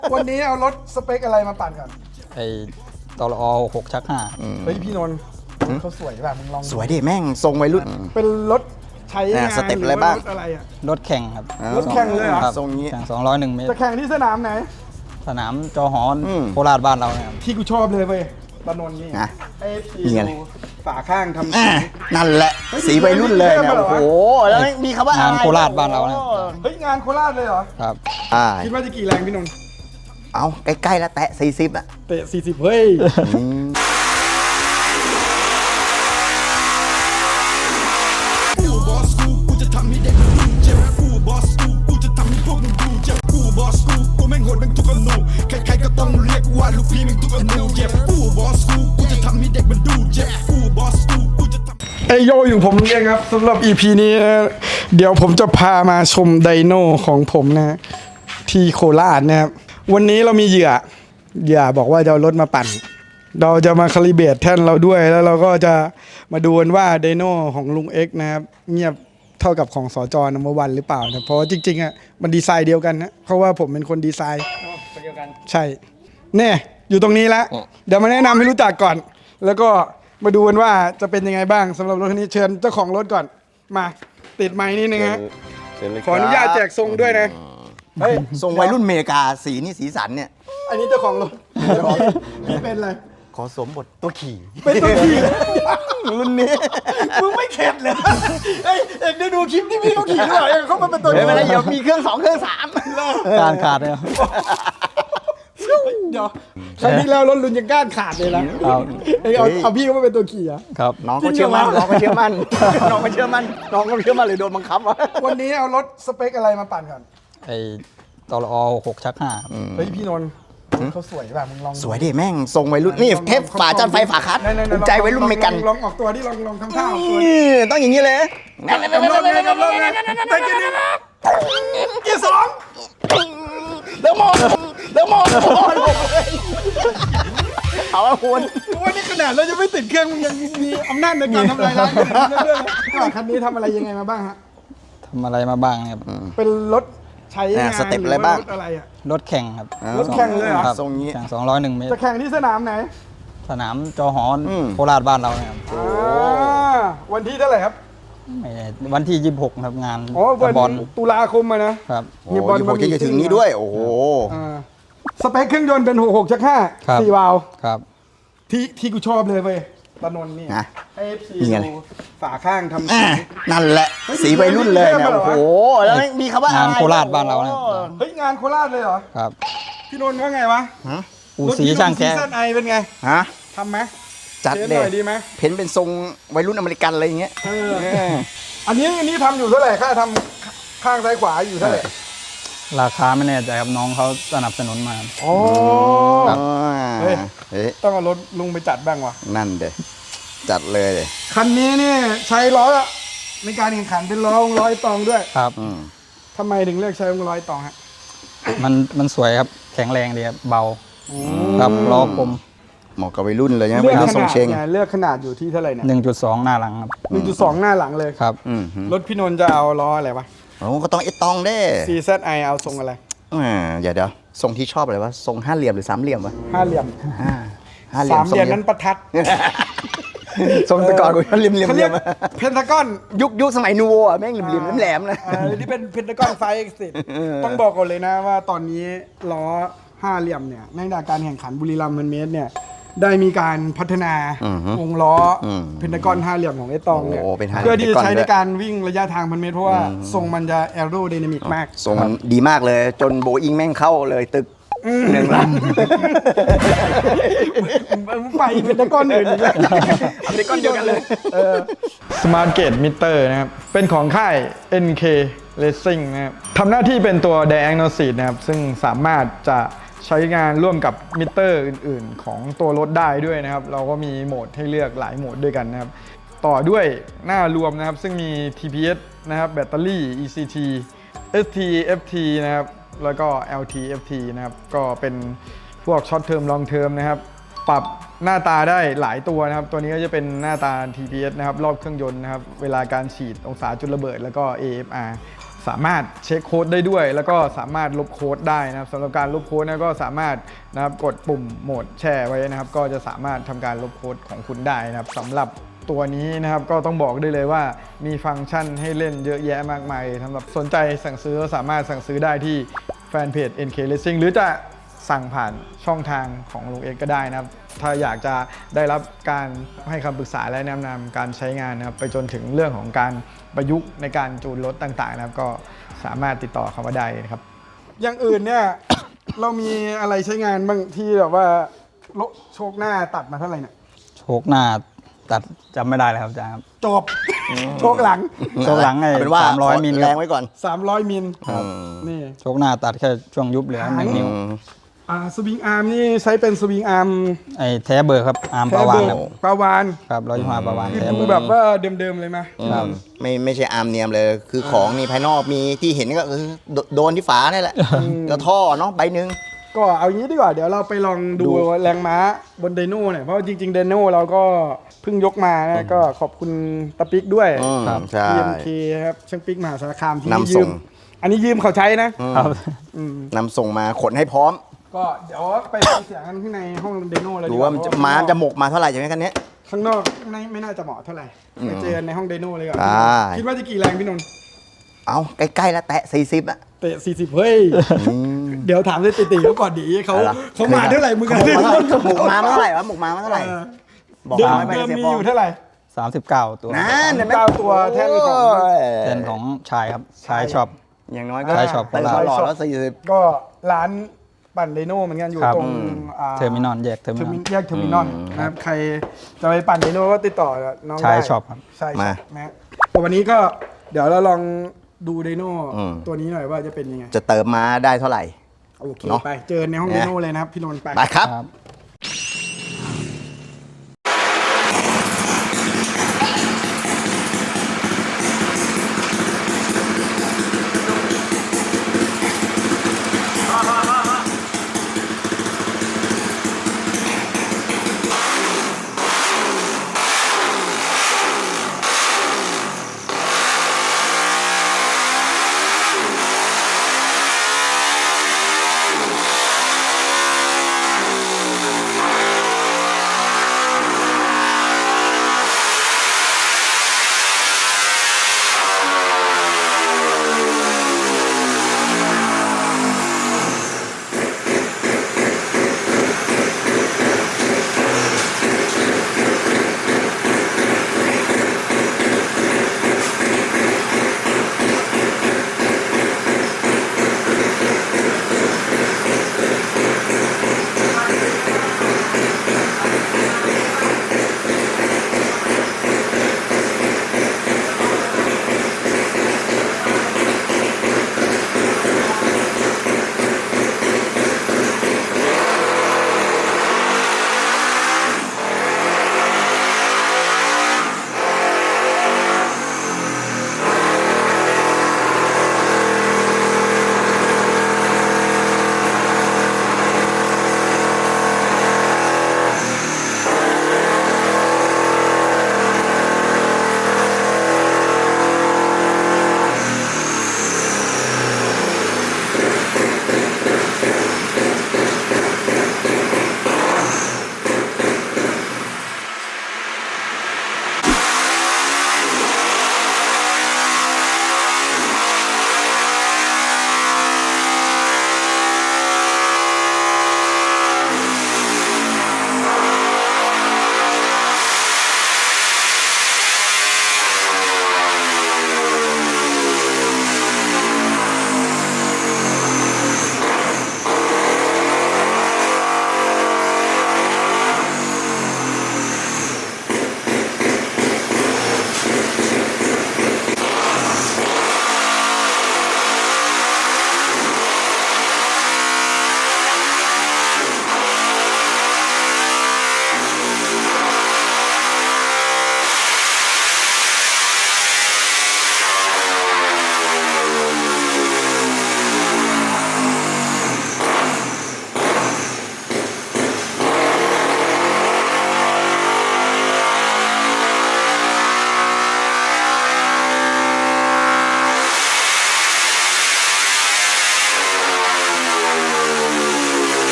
วันนี้เอารถสเปคอะไรมาปั่นกันไอ้ตลอ6 ชัก 5 เฮ้ยพี่นนท์เขาสวยแบบมึงลองสวยดิแม่งทรงวัยรุ่นเป็นรถใช้งานสเต็ปอะไรบ้างรถอะไรอะรถแข่งครับรถแข่งเลยเหรอครับทรงนี้แข่ง201 เมตรจะแข่งที่สนามไหนสนามจอหอนโคราชบ้านเราเนี่ยครับที่กูชอบเลยเว้ยตะนนท์นี่นะไอ้ทีนี่ไงฝาข้างทำสีนั่นแหละสีวัยรุ่นเลยเนี่ยโอ้โหแล้วมีคำว่างานโคราชบ้านเราเนี่ยเฮ้ยงานโคราชเลยเหรอครับคิดว่าจะกี่แรงพี่นนท์เอาใกล้ๆแล้วแตะ40อ่ะเตะ40เฮ้ยไอโยอยู่ผมเองครับสำหรับ EP นี้นะเดี๋ยวผมจะพามาชมไดโนของผมนะที่โคราชนะครับวันนี้เรามีเหยื่อบอกว่าจะเอารถมาปั่น เราจะมาคาลิเบรตแท่นเราด้วยแล้วเราก็จะมาดูกันว่าไดโนของลุงเอ็กซ์นะครับเงียบเท่ากับของสจนัมเบอร์วันหรือเปล่านะเพราะว่าจริงๆอ่ะมันดีไซน์เดียวกันนะเพราะว่าผมเป็นคนดีไซน์เดียวกันใช่เนี่ยอยู่ตรงนี้แล้วเดี๋ยวมาแนะนำให้รู้จักก่อน แล้วก็มาดูกันว่าจะเป็นยังไงบ้างสำหรับรถคันนี้เชิญเจ้าของรถก่อนมาติดไมค์นิดนึงฮะขออนุญาตแจกทรงด้วยนะเฮ้ยทรงวัยรุ่นอเมริกาสีนี่สีสันเนี่ยอันนี้เจ้าของรถพี่เป็นอะไรขอสวมบทตัวขี่เป็นตัวขี่รุ่นนี้มึงไม่เข็ดเลยเอ้ยเอกได้ดูคลิปที่พี่เขาขี่ด้วยเองเขามาเป็นตัวไม่ขี่เป็นไรเดี๋ยวมีเครื่อง2เครื่อง3 การขาดเนี่ยเดี๋ยวครั้งที่แล้วรถลุนยังก้านขาดเลยนะครับ เอ้ยเอาพี่เขามาเป็นตัวขี่อะครับน้องก็เชื่อมั่นน้องก็เชื่อมั่นน้องก็เชื่อมั่นน้องก็เชื่อมั่นเลยโดนบังคับวะวันนี้เอารถสเปคอะไรมาปั่นก่อนไอ้ตลอ6 ชัก 5 เฮ้ยพี่นนท์เขาสวยแบบมึงลองสวยดิแม่งทรงวัยรุ่นนี่เทปฝาจานไฟฝาคัดภูมิใจวัยรุ่นอเมริกันลองออกตัวดิลองทำท่าออกตัวนี่ต้องอย่างนี้เลยกำลังไงแต่กินนี่เกียร์สองเดี๋ยวมองเอาละคุณว่านี่ขนาดเราจะไม่ติดเครื่องมึงยังมีอำนาจในการทำลายล้างกันเรื่องคันนี้ทำอะไรยังไงมาบ้างฮะทำอะไรมาบ้างเนี่ยครับเป็นรถใช้งานสเต็ปอะไรบ้างรถอะไรอะรถแข่งครับรถแข่งเลยเหรอครับทรงนี้แข่ง201 เมตรจะแข่งที่สนามไหนสนามจอหอนโคราชบ้านเราเนี่ยครับวันที่เท่าไหร่ครับไม่แน่วันที่ 26 ครับงานอ๋อวันบอลตุลาคมอะนะครับโอ้ยผมจะถึงนี้ด้วย โอ้โหสเปคเครื่องยนต์เป็น66ชักครับ 5 4 วาล์วครับที่กูชอบเลยเว้ยตะนนท์นี่นะไอ้ซีนี่ไงฝาข้างทำสีนั่นแหละสีวัยรุ่นเลยเนี่ยโอ้โหแล้วมีคำว่างานโคราชบ้านเราเนี่ยเฮ้ยงานโคราชเลยเหรอครับพี่นนท์ว่าไงวะอูสีช่างแกซีซั่นไอเป็นไงฮะทำไหมจัดเทสเลหน่ยอยดีไหมเพ้นเป็นทรงวัยรุ่นอเมริกันอะไรอย่างเงี้ยอันนี้ทำอยู่เท่าไหร่ค่าทำข้างซ้ายขวาอยู่เท่าไหร่ราคาไม่แน่ใจครับน้องเขาสนับสนุนมาโอ้ครับเฮ้ยเฮ้ยต้องเอารถลุงไปจัดบ้างวะนั่นเด้จัดเลยเลยคันนี้เนี่ยใช้ล้อในการแข่งขันเป็นล้อร้อยตองด้วยครับทำไมถึงเลือกใช้ร้อยตองฮะมันสวยครับแข็งแรงดีครับเบาครับล้อคมเหมาะกับวัยรุ่นเลยนะเลืวัยอกรุ่นขทรงนาดเชงเนี่ยเลือกขนาดอยู่ที่เท่าไหร่เนี่ย 1.2 หน้าหลังครับ 1.2 หน้าหลังเลยครับรถพี่นนท์จะเอาล้ออะไรวะโอ้ก็ต้องเอตองเด้ CZI เอาทรงอะไรเดี๋ยวทรงที่ชอบอะไรวะทรงห้าเหลี่ยมหรือสามเหลี่ยมวะห้าเหลี่ยมห้าเหลี่ยสาม มเหลี่ยมทรงนั้นประทัดทรงแต่ก่อนกูเหลี่ยมเหลี่ยมเขาเหเรีลี่ยยกมเพนทากอนยุคสมัยนูโวอ่ะแม่งเหลี่ยมแหลมๆนะที่เป็นเพนทากอนไฟเอ็กซ์ติต้องบอกก่อนเลยนะว่าตอนนี้ล้อห้าเหลี่ยมเนี่ยในการแข่งขันบุรีรัมย์มันเมตรเนี่ยได้มีการพัฒนาวงล้อเพนทากอนห้าเหลี่ยมของไอ้ตองเนี่ยโอ้เป็นห้าเหลี่ยมเพื่อที่จะใช้เพนทากอนด้วยในการวิ่งระยะทางพันเมตรเพราะว่าทรงมันจะแอโรไดนามิกมากทรงมันดีมากเลย จนโบอิงแม่งเข้าเลยตึกหนึ่งลำไปเป็นตะก้อนอื่นอีกแล้วเอาไปก้อนเดียวกันเลย Smart Gate Meter นะครับ เป็นของค่าย NK Racing นะครับทำหน้าที่เป็นตัว Diagnostic นะครับ ซึ่งสามารถจะใช้งานร่วมกับมิเตอร์อื่นๆ ของตัวรถได้ด้วยนะครับ เราก็มีโหมดให้เลือกหลายโหมดด้วยกันนะครับ ต่อด้วยหน้ารวมนะครับ ซึ่งมี TPS นะครับ แบตเตอรี่ ECT ST FT นะครับ แล้วก็ LT FT นะครับ ก็เป็นพวกช็อตเทอมลองเทอมนะครับ ปรับหน้าตาได้หลายตัวนะครับ ตัวนี้ก็จะเป็นหน้าตา TPS นะครับ รอบเครื่องยนต์นะครับ เวลาการฉีดองศาจุดระเบิดแล้วก็ AFR สามารถเช็คโค้ดได้ด้วย แล้วก็สามารถลบโค้ดได้นะครับสำหรับการลบโค้ดก็สามารถนะครับกดปุ่มโหมดแชร์ไว้นะครับก็จะสามารถทำการลบโค้ดของคุณได้นะครับสำหรับตัวนี้นะครับก็ต้องบอกได้เลยว่ามีฟังก์ชันให้เล่นเยอะแยะมากมายสำหรับสนใจสั่งซื้อสามารถสั่งซื้อได้ที่แฟนเพจ NK Racing หรือจะสั่งผ่านช่องทางของลุงเอกก็ได้นะครับถ้าอยากจะได้รับการให้คำปรึกษาและแนะนำการใช้งานนะครับไปจนถึงเรื่องของการประยุกต์ในการจูนรถต่างๆนะครับก็สามารถติดต่อเขามาได้นะครับอย่างอื่นเนี่ย เรามีอะไรใช้งานบ้างที่แบบว่าโชคหน้าตัดมาเท่าไหร่เนี่ยโชคหน้าตัดจำไม่ได้เลยครับอาจารย์ครับจบ โชคหลังโชคหลังไอ้เอาเป็นว่า 300 มิลแรครังบไว้ก่อน 300 มิลอืมนี่โชคหน้าตัดแค่ช่วงยุบเหลือ1 นิ้วสวิงอาร์มนี่ใช้เป็นสวิงอาร์มไอ้แท้เบอร์ครับอาร์มปแท้ระวาเบนอครับร์ปลาวานครับ125ประวานคือแท้ดูเบอร์แบบว่าเดิมๆเลยไหมครับไม่ใช่อาร์มเนียมเลย คือของนี่ภายนอกมีที่เห็นก็คือโดนที่ฝานี่แหละแล้วท่อเนาะใบหนึ่งก็เอางี้ดีกว่าเดี๋ยวเราไปลองดูแรงม้าบนไดโน่หน่อยเพราะว่าจริงๆไดโน่เราก็เพิ่งยกมานะก็ขอบคุณตะปิกด้วยครับใช่ TMK ครับช่างปิกมหาสารคามที่นำส่ยืงมอันนี้ยืมเขาใช้นะครับนำส่งมาขนให้พร้อมก็เดี๋ยวไปฟังเสียงกันข้างในห้องไดโน่เลยดูดีกว่ามันจะม้าจะหมกมาเท่าไหร่ใช่ไหมกันเนี้ยข้างนอกไม่น่าจะเหมาะเท่าไหร่ไปเจอกันในห้องไดโน่เลยก่อนได้คิดว่าจะกี่แรงพี่นนท์เอาใกล้ๆแล้วแตะ40อ่ะเตะ40เฮ้ยเดี๋ยวถามเลยติเขาก่อนดีเขาอะไรเขามาเท่าไหร่มึงกันหมกมาเท่าไหร่วะหมกมาเท่าไหร่ บอกเดิมมาไม่เดิได้มเสียมีฟออง ยู่เท่าไหร่ 39 ตัวนั่นเห็นไหม 9ตัวแท่นของโยแทนของชายครับชายชอบอย่างน้อยก็ใช่ชอบเต็มตลอดแล้ว40 ก็ร้านปั่นไดโน่เหมือนกันอยู่ครับตรงเทอร์มินอลแยกเทอร์มินอลแยกเทอร์มินอลนะครับใครจะไปปั่นไดโน่ก็ติดต่อน้องได้ใช่ชอบครับใช่มานะแต่วันนี้ก็เดี๋ยวเราลองดูไดโน่อืมตัวนี้หน่อยว่าจะเป็นยังไงจะเติมมาได้เท่าไหร่โอเคเนอะไปเจอในห้องไดโน่เลยนะครับพี่นนท์ไปไปครับครับ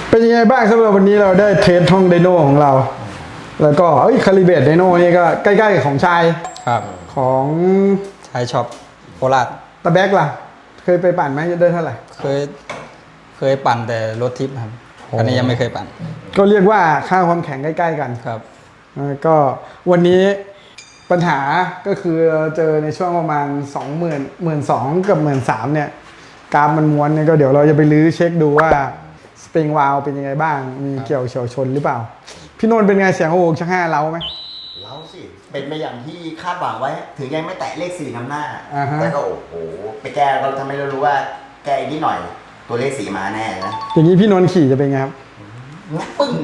เป็นยังไงบ้างสำหรับวันนี้เราได้เทสห้องไดโน่ของเรา แล้วก็คาลิเบตไดโน่นี่ก็ใกล้ๆของชายครับของใช้ช็อปโคราชตะแบกล่ะ เคยไปปั่นไหมได้เท่าไหร่เคยปั่นแต่รถทิปครับ อันนี้ยังไม่เคยปั่นก็เรียกว่าค่าความแข็งใกล้ๆกันครับก็วันนี้ปัญหาก็คือเจอในช่วงประมาณ 12,000 กับ13,000เนี่ยกราฟมันม้วนเนี่ยก็เดี๋ยวเราจะไปลื้อเช็คดูว่าสปริงวาลเป็นยังไงบ้าง มีเกี่ยวเฉียวชนหรือเปล่า พี่นนท์เป็นไงเสียงโอ้โหชัก5เล้าไหมเราสิเป็นไปอย่างที่คาดหวังไว้ถึงยังไม่แตะเลข4นำหน้าอ่าฮะแต่ก็โอ้โหไปแก้ก็ทำให้เรารู้ว่าแก้อีกนิดหน่อยตัวเลข4มาแน่นะอย่างนี้พี่นนท์ขี่จะเป็นไงครับปึ้ง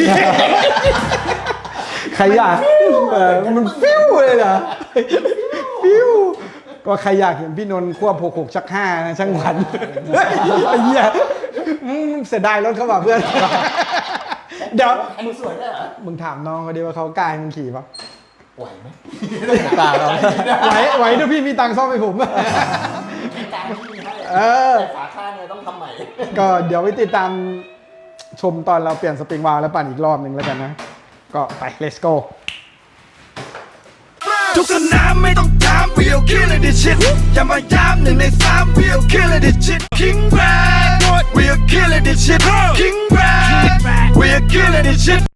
ใครอยากมันฟิวเลยเหรอฟิวก็ใครอยากเห็นพี่นนท์ควบ66ชัก5นะช่างหวันไอ้เหี้ยเสียดายรถเขาว่ะเพื่อน เดี๋ยวอันนี้สวยได้เหรอมึงถามน้องเขาดิว่าเขากล้าให้มึงขี่ปะไหวไหมกล้าครับไหวถ้าพี่มีตังค์ซ่อมให้ผมการที่มีให้เออแต่ฝาข้างเนี่ยต้องทำใหม่ก็เดี๋ยวไปติดตามชมตอนเราเปลี่ยนสปริงวาล์วแล้วปั่นอีกรอบหนึ่งแล้วกันนะ ก็ไป let's go ทุกสนามไม่ต้องถาม we'll kill it this shit อย่ามาย้ำ1 ใน 3 we'll kill it this shit King Brad we'll kill it this shit King Brad we'll kill it this shit